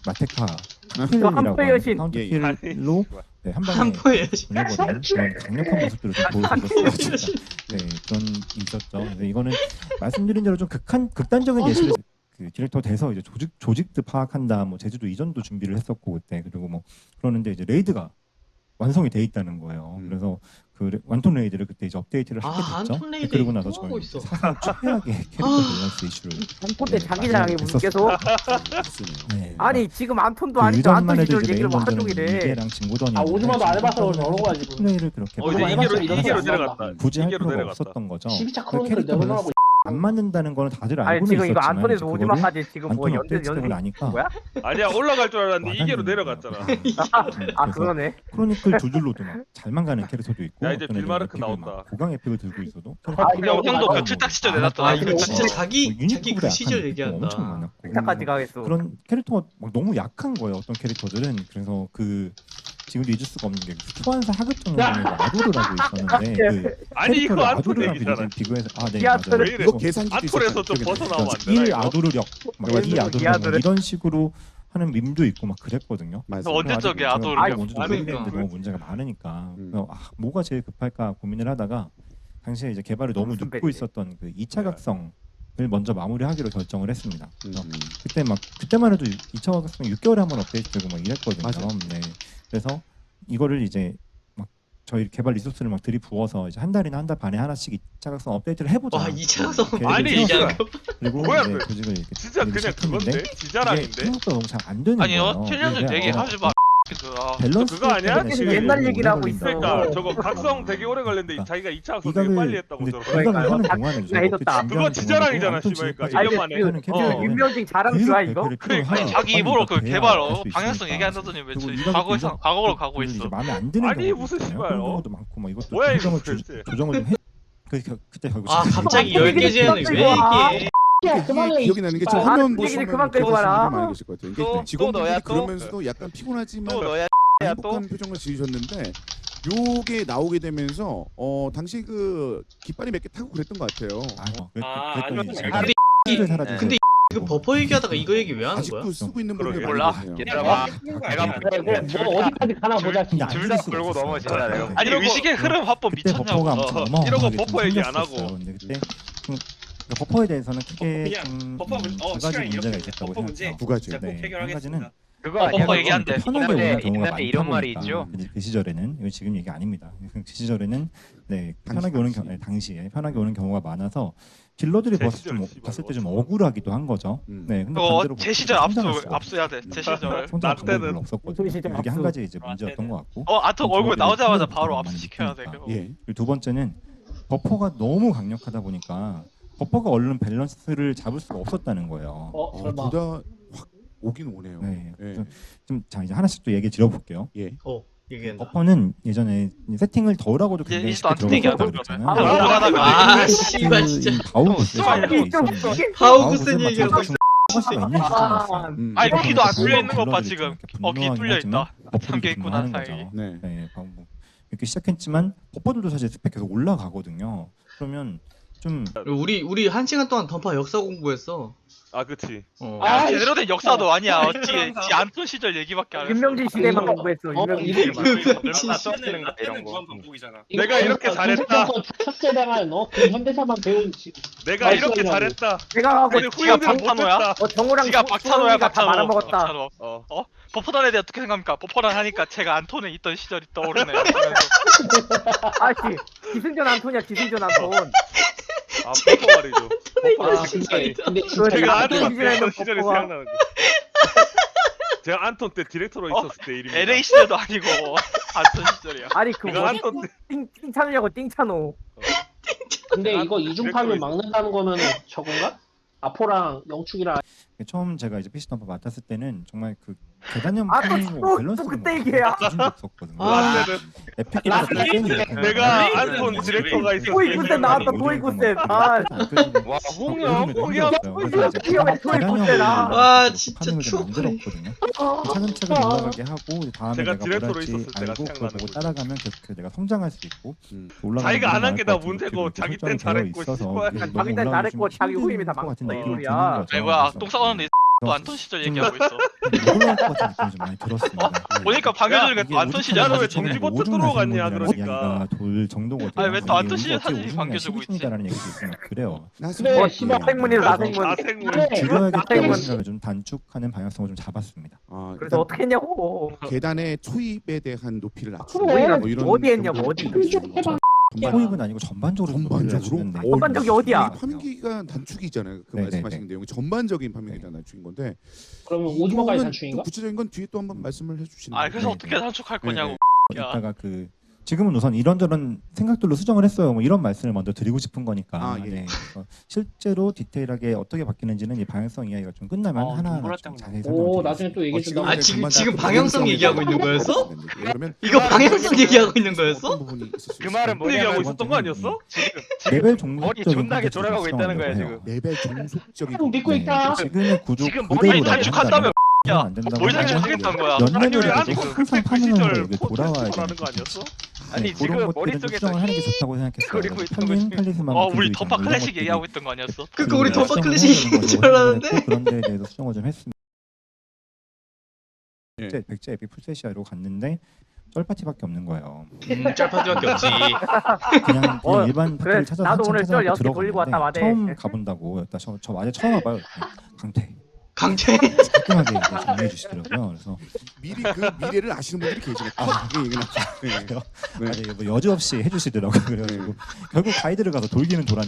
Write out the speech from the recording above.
마테카 저 킬이라고 한포의 여신. 카운터 예, 킬로 네, 한 방에 한포의 여신. 보내버리는 그런 강력한 모습들을 좀 보여줬어요. 진짜. 네, 그런 게 있었죠. 근데 이거는 말씀드린 대로 좀 극단적인 예시를 그 디렉터 돼서 이제 조직도 파악한다, 뭐 제주도 이전도 준비를 했었고 그때 그리고 뭐 그러는데 이제 레이드가 완성이 돼 있다는 거예요. 그래서 그 완톤 레이드를 그때 이제 업데이트를 하게 됐죠. 완톤 레이드 그리고 나서 하고 저희 있어. 사상 최악의 캐릭터 밸런스 이슈를 한톤 때 네, 자기 자랑이 됐었어요. 계속. 네, 아니 지금 안톤도 그 아니고 이전만 안톤 해도 시절 이제 얘기를 메인 뭐 하루 먼저는 종일 해. 이계랑 진고던이 오즈마도 안 해봐서 여러 가지. 플레이를 그렇게 이제 많이 해봤어, 이계로 이래서 내려갔다. 굳이 할 이계로 필요가 내려갔다. 없었던 거죠. 12차 그 크로니클 캐릭터 내려놓으라고. 밸런스 안 맞는다는 거는 다들 아니 알고는 지금 이거 있었지만 안톤에서 이제 그거를 오지마까지 지금 뭐 안톤 연대 업데이트되고 나니까 뭐야? 아니야 올라갈 줄 알았는데 이계로 와닿는 내려갔잖아. 아 그러네. 크로니클 둘둘로도 막 잘만 가는 캐릭터도 있고 야, 이제 어떤 애들은 빌마르크 에픽을 나온다. 막 고강 에픽을 들고 있어도 형, 형도 그 출탁 시절 내놨더라. 아 이거 진짜 뭐 자기 그 시절 얘기한다. 엄청 많았고 끝까지 가겠어. 그런 캐릭터가 막 너무 약한 거예요. 어떤 캐릭터들은. 그래서 그 지금도 잊을 수가 없는 게 소환사 하급 정도의 아도를 하고 있었는데 그 아니 이거 캐릭터를 안톤 아도르랑 얘기잖아. 비교해서 네 기아토르. 맞아요. 왜 이래? 이거 계산기도 안톤에서 좀 있었잖아요. 벗어나면 안 되나 1 이거? 아도르력 막 맞아요. 2 아도르력 기아토르. 막 이런 식으로 하는 밈도 있고 막 그랬거든요. 맞아요. 언제적이야, 제가 아도르력. 뭔지도 모르겠는데 너무 문제가 많으니까 그래서 뭐가 제일 급할까 고민을 하다가 당시에 이제 개발을 너무 무슨 눕고 배지? 있었던 그 2차 각성을 먼저 마무리하기로 결정을 했습니다. 그래서 음. 그때만 해도 2차 각성 6개월에 한 번 업데이트되고 막 이랬거든요. 맞아요. 네. 그래서 이거를 이제 막 저희 개발 리소스를 막 들이부어서 이제 한 달이나 한 달 반에 하나씩 2차 각성 업데이트를 해보자. 와 2차 각성 계획을 아니, 세웠어요. 이게 그리고 뭐야, 이제 그래. 조직을 이렇게 진짜 그냥 시작했는데 그건데? 이게 지자랑인데? 생각보다 너무 잘 안 되는 아니요, 거예요. 7년 전 이게, 얘기 하지 마. 아, 밸런스 그거 아니야? 때문에 지금 시간이 옛날 너무 얘기를 오래 하고 있어. 걸린다고. 그러니까 저거 각성 되게 오래 걸렸는데 그러니까. 자기가 2차 각성 되게 빨리 했다고 저러고. 이각을 하는 그러니까. 동안에 나 해줬다. 그거 지자랑이잖아, 씨발. 이거 1년 만에. 윤명진 자랑 좋아 이거? 아니 자기 입으로 그 개발 방향성 얘기한다더니 왜 과거로 가고 있어. 마음에 안 드는 아니, 경우도 무슨 있잖아요. 씨발, 그런 어? 경우도 많고 막 이것도 뭐야, 이거 조정을 좀 해. 그때 결국 아 진짜 갑자기 얘기가 10개 제안을 왜 얘기해? 야 그만해. 기억이 나는 게 저 아, 화면 그 얘기를 보시면 그만 끌고 그러시는 와라. 분들 많이 계실 것 같아요. 이게 또 직원분들이 너야, 또? 그러면서도 약간 피곤하지만 또 너야 야 또. 행복한 표정을 지으셨는데 요게 나오게 되면서 당시 그 깃발이 몇 개 타고 그랬던 것 같아요. 그랬더니 아니, 제가 근데 실을 사라지고 근데 이거 버퍼 얘기하다가 이거 얘기 왜 하는 아직도 거야? 쓰고 있는 분들이 그러게. 많이 몰라. 계세요. 얘들아 내가 뭐 어디까지 가나 보자. 근데 안 둘 들을 다 수가 끌고 없었어요. 넘어지잖아, 내가. 네. 아니 의식의 흐름 합법 그때 미쳤냐고. 버퍼가 아무튼 이러고 어마어마하게 버퍼 좀 얘기 안 생겼었어요. 하고. 근데 그때 버퍼에 대해서는 크게 좀 버퍼 두 가지 문제가 있었다고 생각해요. 두 가지요. 네, 한 가지는 그거 아니야. 버퍼 얘기한대. 편하게 오는 경우가 많다 이런 말이 보니까 있죠. 그 시절에는 이거 지금 얘기 아닙니다. 그 시절에는 네 편하게 오는 경우 당시에 편하게 오는 경우가 많아서 딜러들이 제 봤을 때 좀 억울하기도 한 거죠. 네, 근데 반대로 제 시절 압수해야 돼. 제 시절. 성장할 나 때는 별로 없었거든요. 시절 그게 한 압수. 가지 이제 문제였던 것 같고. 아트 얼굴 나오자마자 딜러들이 바로 많이 압수시켜야 돼. 느끼니까. 그거. 예. 그리고 두 번째는 버퍼가 너무 강력하다 보니까 버퍼가 얼른 밸런스를 잡을 수가 없었다는 거예요. 설마. 둘 다 확 오긴 오네요. 네. 예. 자 이제 하나씩 또 얘기 드려볼게요. 예. 얘기한다. 버퍼는 예전에 세팅을 덜하고도 이제 굉장히 이제도 쉽게 안 세팅이야, 들어갔다고 그러면. 그랬잖아요. 아 씨발 진짜. 하우구센 얘기하고 있어. 아니 귀도 안 뚫려 있는 것 봐 지금. 귀 뚫려 있다. 3개 있구나 사이. 네. 네, 뭐 이렇게 시작했지만 버퍼들도 사실 스펙 계속 올라가거든요. 그러면 좀 우리 1시간 동안 던파 역사 공부했어. 아 그치. 야, 제대로 된 역사도 아니야. 어찌 지 안톤 시절 얘기밖에 안 했어. 윤명진 시대만 공부했어. 윤명진 시대만. 이런 거 반복이잖아. 내가 이렇게 잘했다. 첫 세대가 너 현대사만 배운 내가 이렇게 잘했다. 내가 하고 근데 후임들은 박찬호야? 못했다. 정우랑 지가 박찬호야 다 박찬호. 말아먹었다. 박찬호. 어. 버퍼단에 대해 어떻게 생각합니까? 버퍼단 하니까 제가 안톤에 있던 시절이 떠오르네요. 아씨 기승전 안톤이야 기승전 안톤. 아 버퍼 말이죠. 아 진짜. 근데 진짜 제가 안톤 안톤 시절에는 때던 시절이 버퍼가- 생각나는 거. 제가 안톤 때 디렉터로 있었을 때 이름이. LA 시절도 아니고 안톤 시절이야. 아니 그 내가 뭐지? 안톤 때. 띵찬우냐고 띵찬우. 근데 이거 이중파를 막는다는 거면 저건가? 아포랑 영축이랑 처음 제가 이제 PC 덤퍼 맡았을 때는 정말 그 계단형 아, 플레이고 또 그때 얘기야. 기준도 없었거든요. 아. 에픽보다 더 게임이 이렇게 내가 나와요. 안톤 디렉터가 있었을 토이 때. 굿셋 나왔다 토이 굿셋. 아 와 홍영 홍영. 토이가 토이 굿셋아. 와, 진짜 좀 추억. 만들었거든요. 차근차근 올라가게 하고 다음에 제가 내가 디렉터로 뭘 할지 있었을 때가 알고 그걸 생각나는 보고 거지. 따라가면 계속 내가 성장할 수 있고 올라가는 자기가 안 한 게 다 부분이 문제고 이렇게 자기 설정이 땐 되어 잘했고 있어서 씨발. 너무 자기 땐 올라가기 잘했고 좀 자기 힘든 후임이 다 것 같은 망쳤다, 느낌이 이거야. 드는 거죠. 아니 뭐야 그래서 똥 싸웠는데 또 안톤 시절 얘기하고 있어. 놀랄 것 같은 느낌이 좀 많이 들었습니다. 보니까 방해주는 이게 게 안톤 시절 야, 너 왜 사진이네. 정지버튼 오중 들어갔냐, 나시는 그러니까. 이야기가 돌 정도거든요. 아니, 왜또 안톤 시절 사진이 우중이나 반겨주고 있지? 시기심이다라는 얘기도 있고 막 그래요. 그래, 씨발, 생문이다, 나생문. 나생문. 줄여야겠다고 나생문. 생각을 좀 단축하는 방향성을 좀 잡았습니다. 아, 그래서 어떻게 했냐고. 계단의 초입에 대한 높이를 낮추고 그래. 뭐 이런 어디 했냐고, 정도 어디. 전반- 초입은 아니고 전반적으로 전반적으로? 전반적이 어디야? 판기가 단축이잖아요. 그 네네네. 말씀하신 내용이 전반적인 판매에 대한 단축인 건데. 그러면 오징어까지 이거는 단축인가? 또 구체적인 건 뒤에 또 한번 말씀을 해주시는. 아 그래서 네, 어떻게 네. 단축할 거냐고. 야. 이따가 그 지금은 우선 이런저런 생각들로 수정을 했어요. 뭐 이런 말씀을 먼저 드리고 싶은 거니까. 아, 예. 네. 그래서 실제로 디테일하게 어떻게 바뀌는지는 이 방향성 이야기가 좀 끝나면 하나하나 좀 자세히 오, 설명드리겠습니다. 나중에 또 얘기해 준다. 아, 지금 방향성 얘기하고 있는 거였어? 그러면 이거 방향성 얘기하고 있는 거였어? 어떤 부분이 있을 수 그 말은 있을까요? 얘기하고 있었던 거 아니었어? 레벨 머리 종속적인 존나게 컨텐츠를 돌아가고 있다는 거야, 수정하려고 해요. 레벨 종속적인 형 믿고 네, 있다. 지금의 구조 지금 그대로 머리 단축한다며, 야. 안 된다고 뭘 하면 단축하겠다는 거야? 연 아니, 레벨에도 아니, 항상 그 파밍하는 시절 거 이게 돌아와야 포트라는 거 되는 아니었어? 네, 아니, 지금 그런 것들은 머릿속에서 수정을 하는 게 좋다고 생각했어요. 그리고 있던 팔린 거지. 칼리스만 우리 던파 클래식 얘기하고 있던 거 아니었어? 그니까 우리 던파 수정을 클래식 해야 되는 얘기인 줄 거라고 알았는데? 생각했고, 그런 데에 대해서 수정을 좀 했습니다. 예. 백제 에픽 풀세시아로 갔는데 쩔파티밖에 없는 거예요. 짤파티밖에 없지. 그냥 일반 그래, 파티를 찾아서 나도 한참 오늘 쩔 찾아서 6개 돌리고 왔다 들어갔는데 마대. 처음 가본다고 저 아재 처음 와봐요. 강태 강태. 깔끔하게 이렇게 정리해 주시더라고요. 그래서 미리 그 미래를 아시는 분들이 계시네. 그게 얘기나. 네. 아니, 뭐 여지없이 해주시더라고요. 그래가지고 결국 가이드를 가서 돌기는 돌았는데